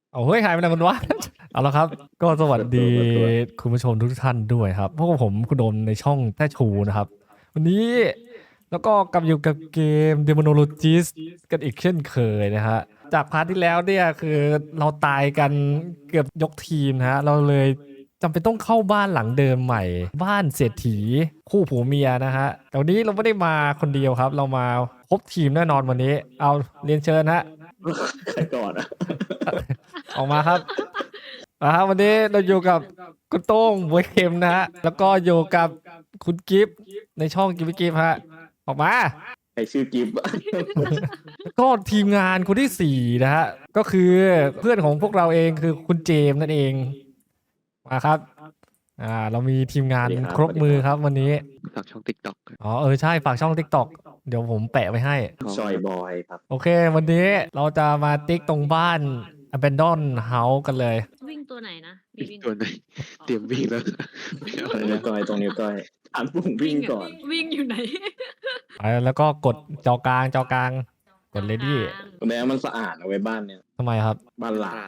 เอาเฮ้ยหายไปไหนมันวะ เอาละครับ ก็สวัสดีคุณผู้ชมทุกท่านด้วยครับพวกผมคุณโดมในช่องแท้ชูนะครับ วันนี้แล้วก็กลับอยู่กับเกม Demonologist กันอีกเช่นเคยนะฮะจากพาร์ทที่แล้วเนี่ยคือเราตายกันเกือบยกทีมนะฮะเราเลยจำเป็นต้องเข้าบ้านหลังเดิมใหม่ บ้านเศรษฐีคู่ผัวเมียนะฮะแต่วันนี้เราไม่ได้มาคนเดียวครับ เรามาครบทีมแน่นอนวันนี้ เอาเรียนเชิญฮะใครก่อนอ่ะออกมาครับวันนี้เราอยู่กับคุณโต้งบวยเข็มนะฮะ แล้วก็อยู่กับคุณกิฟต์ในช่องกิฟต์ฮะ ออกมาใครชื่อกิฟต์อะแล้วก็ทีมงานคนที่สี่นะฮะ ก็คือเพื่อนของพวกเราเองคือคุณเจมส์นั่นเอง มาครับ เรามีทีมงานครบมือครับวันนี้ฝากช่อง TikTok อ๋อใช่ฝากช่อง TikTok เดี๋ยวผมแปะไว้ให้จอยบอยครับโอเค วันนี้เราจะมาติ๊กตรงบ้าน Abandon House กันเลยวิ่งตัวไหนนะมีวิ่งตัวไหนเตรียมวิ่งแล้วไม่เอาตรงแล้นิ้ววก้อยตรงนิ้วก้อยอ่านปุ่มวิ่งก่อนวิ่งอยู่ไหนแล้วก็กดจอกลางกด ready แม้มันสะอาดเอาไว้บ้านเนี่ยทำไมครับบ้านหลัง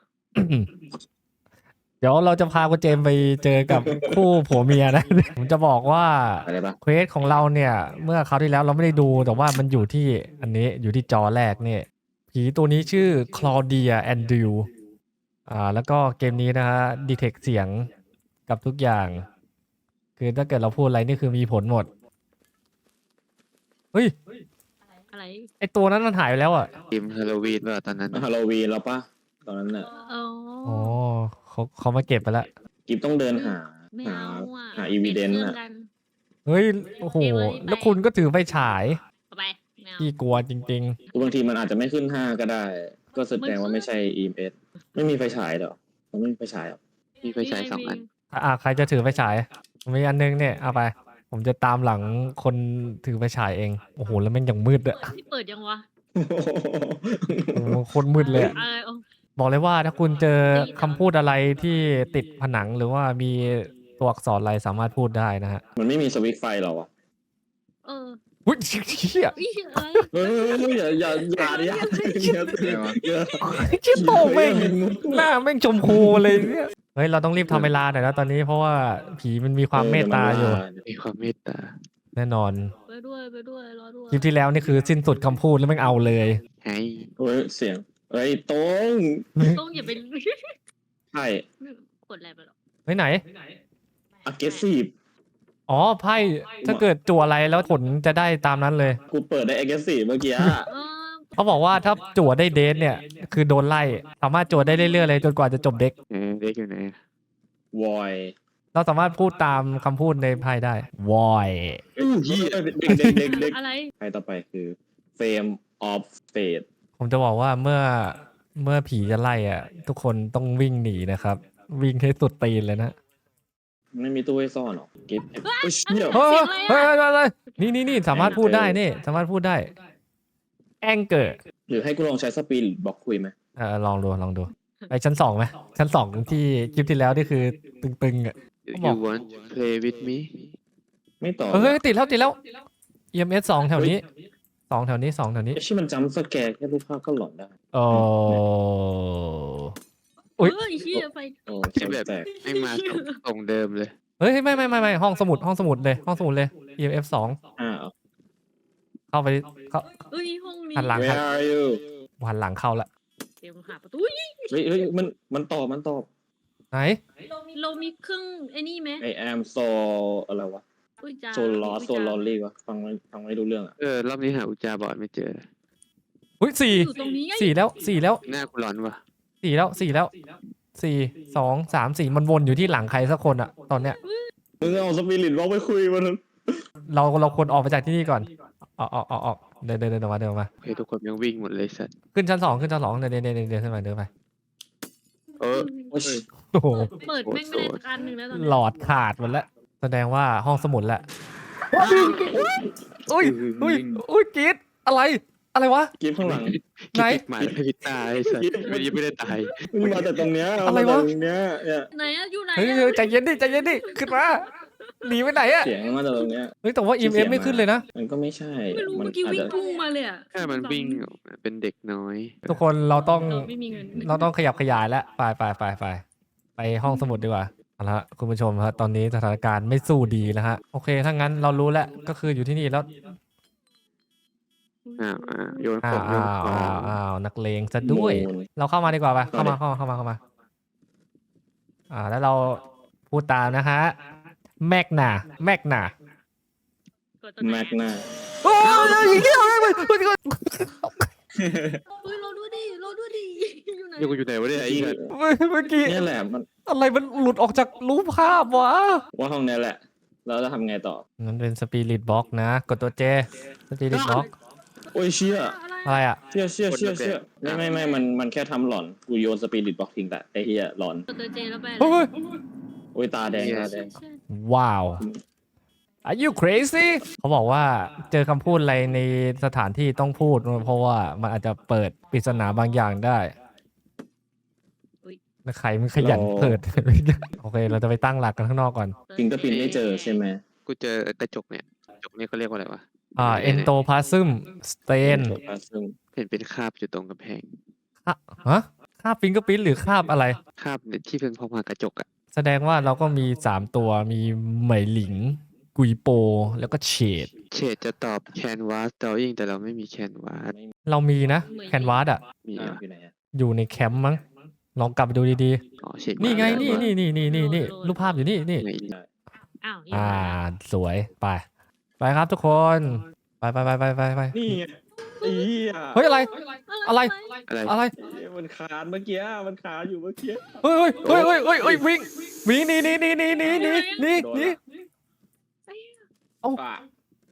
เดี๋ยวเราจะพาคุณเจมส์ไปเจอกับคู่ผัวเมียนะ ผมจะบอกว่าอะไรปะเควสของเราเนี่ย เมื่อคราวที่แล้วเราไม่ได้ดูแต่ว่ามันอยู่ที่อันนี้อยู่ที่จอแรกเนี่ยผีตัวนี้ชื่อคลอเดียแอนดิวแล้วก็เกมนี้นะฮะดีเทคเสียงกับทุกอย่าง คือถ้าเกิดเราพูดอะไรนี่คือมีผลหมดเฮ้ยอะไรไอตัวนั้นมันหายไปแล้วอ่ะทีมฮาโลวีนว่าตอนนั้นฮาโลวีนแล้วปะตอนนั้นน่ะอ๋ออ๋อเขามาเก็บไปแล้วกิฟต์ต้องเดินหาไม่หาเอาอ่ะหาอีวีเดนต์ปลี่ยน่ะครื่องกันเฮ้ยโอ้โหแล้วคุณก็ถือไฟฉายเอาไปไม่เอาที่กลัวจริงบางทีมันอาจจะไม่ขึ้น5ก็ได้ ก็แสดงว่าไม่ใช่ EMS ไม่มีไฟฉายหรอมันไม่มีไฟฉายหรอมีไฟฉาย2 อันๆใครจะถือไฟฉายผมมีอันนึงเนี่ยเอาไป ผมจะตามหลังคนถือไฟฉายเองโอ้โหแล้วแม่งอย่างมืดอะที่เปิดยังวะโอ้โหโคนมืดเลยอะเอาบอกเลยว่าถ้าคุณเจอคำพูดอะไรที่ติดผนังหรือว่ามีตัวอักษรอะไรสามารถพูดได้นะฮะมันไม่มีสวิตช์ไฟหรอวะเอออุ้ยเชี่ยอุ๊ยอะไรเฮ้ยอย่าดิอย่าเชี่ยโตแม่งหน้าแม่งชมพูเลยเนี่ยเฮ้ยเราต้องรีบทำเวลาหน่อยนะตอนนี้เพราะว่าผีมันมีความเมตตาอยู่มีความเมตตาแน่นอนไปด้วยรอด้วยคลิปที่แล้วนี่คือสิ้นสุดคำพูดแล้วแม่งเอาเลยให้เฮ้ยเสียงเฮ้ยตรงต้องอย่าไปใช่กดอะไรไปหรอกเฮ้ยไหน aggressive อ๋อไพ่ถ้าเกิดจั่วอะไรแล้วผลจะได้ตามนั้นเลยกูเปิดได้ aggressive เมื่อกี้อะเออเขาบอกว่าถ้าจั่วได้เดทเนี่ยคือโดนไล่สามารถจั่วได้เรื่อยๆเลยจนกว่าจะจบเด็กเด็กอยู่ไหน void เราสามารถพูดตามคำพูดในไพ่ได้วอยเด็กอะไรใครต่อไปคือ Frame of Fate ผมจะบอกว่าเมื่อผีจะไล่อ่ะ ทุกคนต้องวิ่งหนีนะครับ วิ่งให้สุดตีนเลยนะไม่มีตู้ให้ซ่อนหรอกิฟต์โอ้ยเชี่ยเฮ้ยเฮ้ยเฮ้ยนี่สามารถพูดได้นี่สามารถพูดได้แองเกอร์หรือให้กูลองใช้สปีดบล็อกคุยไหมลองดูไปชั้น 2ไหมชั้น 2ที่คลิปที่แล้วนี่คือตึงๆอ่ะ You want to play with me ไม่ตอบเฮ้ยติดแล้ว EMS 2แถวนี้2แถวนี้ไอ้ชี่มันจำสแกร์แค่รูปภาพก็หลอนได้โอ้เฮ้ยเฮียไปโอ้ที่แบบแตกไม่มาตรงเดิมเลยเฮ้ยไม่ห้องสมุดเลย EMF 2 อ้าวเข้าไปเข้าเอ้ยห้องนี้หันหลัง Where are you หันหลังเข้าละเตรียมหาประตูเฮ้ยมันตอบไหนเรามีเครื่องไอ้นี่ไหม I am so อะไรวะอุ้ยจ้า so lost so lonely วะฟังไม่รู้เรื่องอ่ะรอบนี้หาอุจจาบอดไม่เจออุ้ยสี่อยู่ตรงนี้ไงสี่แล้วหน้ากูร้อนว่ะ 4 2 3 4มันวนอยู่ที่หลังใครสักคนอะตอนเนี้ยมึงเอาสปิริตบล็อกไปคุยมันเราควรออกไปจากที่นี่ก่อนออกเดินออกมาโอเคทุกคนยังวิ่งหมดเลยสัตว์ขึ้นชั้น 2เดินขึ้นไปเดินไปเออโอ้ยโอ้โหเปิดแม่งไม่ได้สักอันหนึ่งแล้วตอนหนี้ลอดขาดหมดแล้วแสดงว่าห้องสมุดแหละอุ้ยกรีดอะไรวะกิฟต์ข้างหลังไหนหมายพิตายสัตว์ไม่ได้ตายมึงมาแต่ตรงเนี้ยอะไรวะมาแต่ตรงเนี้ยเนี่ยไหนอะอยู่ไหนเฮ้ยอะใจเย็นดิขึ้นมาหนีไปไหนอะเสียงมาจากตรงเนี้ยเฮ้ยแต่ว่า EMF ไม่ขึ้นเลยนะมันก็ไม่ใช่ไม่รู้มันเมื่อกี้อาจวิ่งจะพุ่งมาเลยอ่ะแค่มันวิ่งเป็นเด็กน้อยทุกคนเราต้องเราไม่มีเงินเราต้องขยับขยายแล้วไปห้องสมุดดีกว่าเอาละคุณผู้ชมครับตอนนี้สถานการณ์ไม่สู้ดีแล้วฮะโอเคถ้างั้นเรารู้แล้วก็คืออยู่ที่นี่แล้วโยนขอ้าอวงโยนของนักเลงซะด้วยมูลเราเข้ามาดีกว่าไปเข้าเข้าดิมาแล้วเราพูดตามนะฮะแม็กนากดตัวไหนแม็กนาโอ้ยเฮ้ยเราดูดิอยู่ไหนอยู่ไหนวะเนี่ยไอ้เหี้ยเมื่อกี้เนี่ยแหละมันอะไรมันหลุดออกจากรูปภาพวะว่าห้องเนี้ยแหละ แล้วจะทำไงต่องั้นเป็นสปิริตบ็อกนะกดตัวเจสปิริตบ็อกโอ้ยเชี่ยอะไรอ่ะเชี่ยไม่มันแค่ทำหลอนกูโยนสปิริตบ็อกทิ้งแต่ไอ้เหี้ยหลอนกดตัวเจแล้วไปเฮ้ยโอ้ยตาแดงว้าว Are you crazy เขาบอกว่าเจอคำพูดอะไรในสถานที่ต้องพูด เพราะว่ามันอาจจะเปิดปริศนาบางอย่างได้แล้วใครมันขยันเปิด โอเค เราจะไปตั้งหลักกันข้างนอกก่อนฟิงก็ปินไม่เจอใช่ไหมกูเจอกระจกเนี่ยกระจกเนี่ยเขาเรียกว่าอะไรวะเอนโตพาซึมสเตนซึ่งเห็นเป็นคราบอยู่ตรงกำแพงฮะคาบฟิงเกอร์พิ้นหรือคาบอะไรคราบเนี่ยที่เป็นพอมากระจกอ่ะแสดงว่าเราก็มี 3 ตัวมีเหมยหลิง กุยโป แล้วก็เฉดเฉดจะตอบแคนวาสดอยิ่งแต่เราไม่มีแคนวาสเรามีนะแคนวาสอ่ะมีอ้าวอ่ะอยู่ไหนอะอยู่ในแคมป์มั้ง ลองกลับไปดูดีอ๋อเฉดๆ นี่ไงมานี่รูปภาพอยู่นี่ไหนอ้าวสวยไปครับทุกคน ไปนี่ไงไอ้เหี้ยเฮ้ยอะไรอะไรอะไรมันคานเมื่อกี้มันคานอยู่เมื่อกี้เฮ้ยวิ่งหนีเอาป่ะ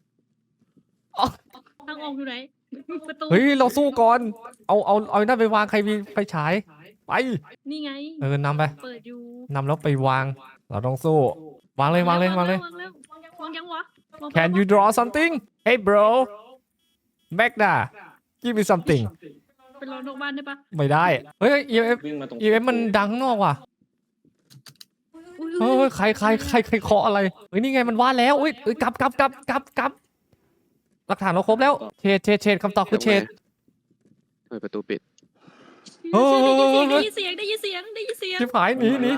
ทางออกอยู่ไหนประตูเฮ้ยเราสู้ก่อนเอานั่นไปวางใครมีไฟฉายไปนี่ไงนำไปเปิดอยู่นำแล้วไปวาง เราต้องสู้ วางเลยวางยังวะ Can you draw something Hey bro Magda Give me something ไปรอนอกบ้านได้ปะไม่ได้ เฮ้ย EMF วิ่งมาตรง EMF มันดังข้างนอกว่ะ เฮ้ยใครเคาะอะไรเฮ้ยนี่ไงมันว่าแล้วอุ้ยกลับหลักฐานเราครบแล้วเชดคำตอบคือเชดเปิดประตูปิดได้ยินเสียงชิบหายหนีเลย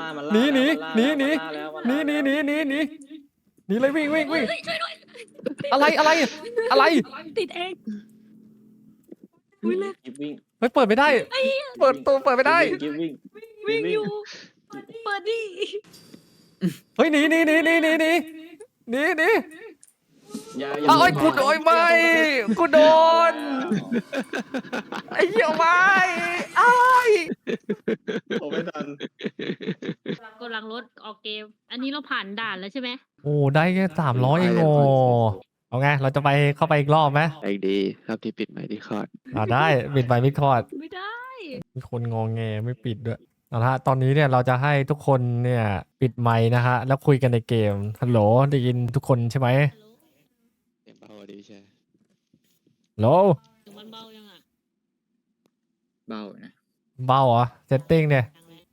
วิ่งอะไรติดเองวิ่งเลยวิ่งเฮ้ยเปิดไม่ได้ เปิดตัวเปิดไม่ได้วิ่งวิ่งอยู่เปิดดิเฮ้ยหนีเอาไอ้กูโดนไม่กูโดนไอ้เหี้ยไม่ไอ้ผมไม่ทันกำลังรถออกเกม อันนี้เราผ่านด่านแล้วใช่ไหมโอ้ได้แค่300เองโง่เอาไงเราจะไปเข้าไปอีกรอบไหมไอดีรอบที่ปิดไมค์ที่คอร์ดได้ปิดไปไม่คอดไม่ได้มีคนงงแงไม่ปิดด้วยเอาละฮะตอนนี้เนี่ยเราจะให้ทุกคนเนี่ยปิดไมค์นะฮะแล้วคุยกันในเกมฮัลโหลได้ยินทุกคนใช่ไหมเสียงเบาดีใช่ฮัลโหลมันเบายังอ่ะเบานะเบาเหรอเซตติ้งเนี่ย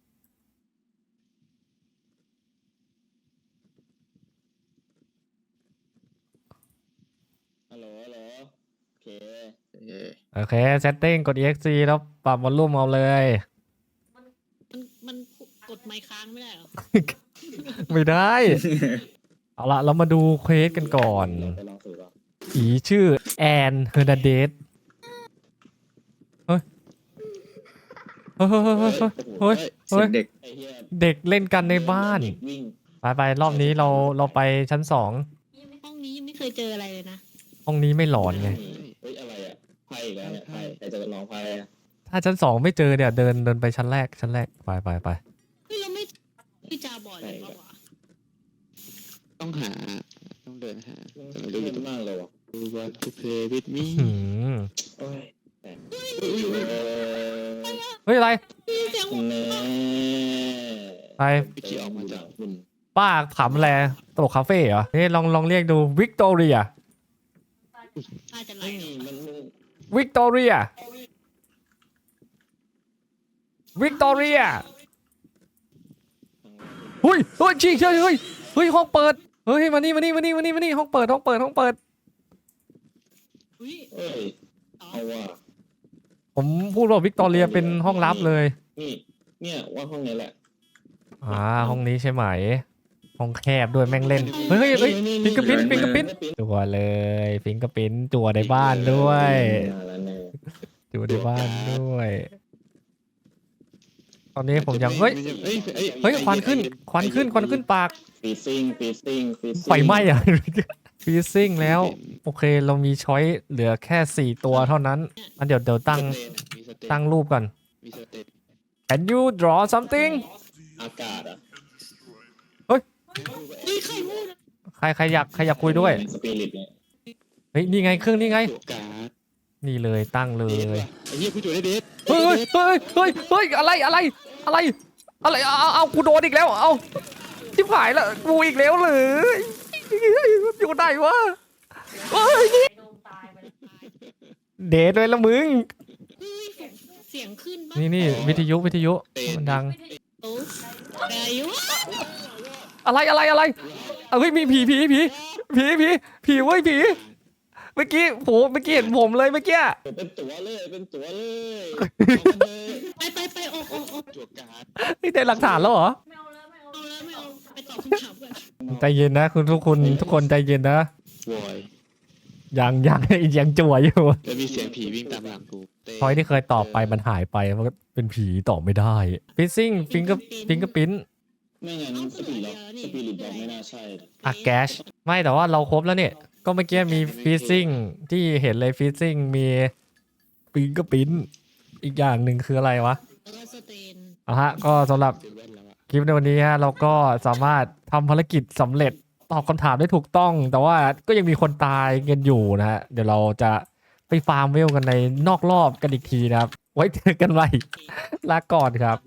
ฮัลโหลโอเคโอเคเซตติ้งกด exe แล้วปรับวอลลุ่มเอาเลยมันกดไมค์ค้างไม่ได้หรอไม่ได้ เอาละเรามาดูเควสกันก่อนไปลองสูตรผีชื่อแอนเฮอร์นาเดสเฮ้ยเสียงเด็กไอ้เหี้ยเด็กเล่นกันในบ้านวิ่งไปรอบนี้เราไปชั้น 2 ห้องนี้ยังไม่เคยเจออะไรเลยนะห้องนี้ไม่หลอนไงเฮ้ยอะไรอ่ะไพ่อีกแล้วเนี่ยไพ่ใครจะลองไพ่อะถ้าชั้น 2 ไม่เจอเนี่ยเดินไปชั้นแรกไปเฮ้ยเราไม่จาบ่อยเลยปะวะต้องเดินหาแต่ไม่รู้รู้เยอยู่อะมากเลยวะดูว่า to play with me หืมโอ้ยเฮ้ยอะไรเสียงแน่ไปพี่ขี่ออกมาจากคุณป้าขำแลตลกคาเฟ่เหรอนี่ลองเรียกดูวิกตอเรียน่าจะไหลเฮ้ยมันวิกตอเรียเฮ้ยจริงเฮ้ยห้องเปิดเฮ้ยมานี่ห้องเปิดอุ้ยเอ้ยเอาว่าผมพูดว่าวิกตอเรียเป็นห้องลับเลยนี่เนี่ยว่าห้องนี้แหละห้องนี้ใช่ไหม ห้องแคบด้วยแม่งเล่น เฮ้ยฟิงเกอร์ปิ้นจัวเลยฟิงเกอร์ปิ้นจัวในบ้านด้วยมาแล้วเนี่ยจัวในบ้านด้วย ตอนนี้ผมยังเฮ้ยควันขึ้นปากฟีซิ่งไฟไหม้อะ ฟีซิ่งแล้ว โอเคเรามีช้อยเหลือแค่ 4 ตัวเท่านั้นอันเดี๋ยวตั้งรูปก่อนมีสเตต Can you draw something อากาศอ่ะเฮ้ยใครพูดอะใครอยากคุยด้วยสปิริตเนี่ยเฮ้ยนี่ไงเครื่องนี่ไงตัวการ์ดนี่เลยตั้งเลยไอ้เหี้ยผู้จุดได้เดทเฮ้ยอะไรเอากูโดนอีกแล้วเอาชิบหายแล้วกูอีกแล้วเลยอยู่ไหนวะเฮ้ยเดทเลยละมึงเฮ้ยเสียงขึ้นปะนี่วิทยุมันดังโอ้อายุอะไรเฮ้ยมีผีเว้ยผีเมื่อกี้เห็นผมเลยเมื่อกี้เป็นตัวเลยไปออกตัวการ์ดนี่ได้หลักฐานแล้วเหรอไม่เอาไปตอบคำถามก่อนใจเย็นนะทุกคนใจเย็นนะวอยยังจั่วอยู่แล้วมีเสียงผีวิ่งตามหลังกูเต้พอยที่เคยตอบไปมันหายไปมันก็เป็นผีตอบไม่ได้ฟิซซิ่งฟิงเกอร์ปิ้นไม่งั้นสปิริตบอกไม่น่าใช่อะแกชไม่แต่ว่าเราครบแล้วเนี่ยก็เมื่อกี้มีฟิซซิ่งที่เห็นเลยฟิซซิ่งมีฟิงเกอร์ปิ้นอีกอย่างหนึ่งคืออะไรวะแล้วก็สเตนก็สำหรับเซเว่นแล้วอะคลิปในวันนี้ฮะเราก็สามารถทำภารกิจสำเร็จตอบคำถามได้ถูกต้อง แต่ว่าก็ยังมีคนตายกันอยู่นะฮะเดี๋ยวเราจะไปฟาร์มเวลกันในนอกรอบกันอีกทีนะครับ ไว้เจอกันใหม่ลาก่อนครับ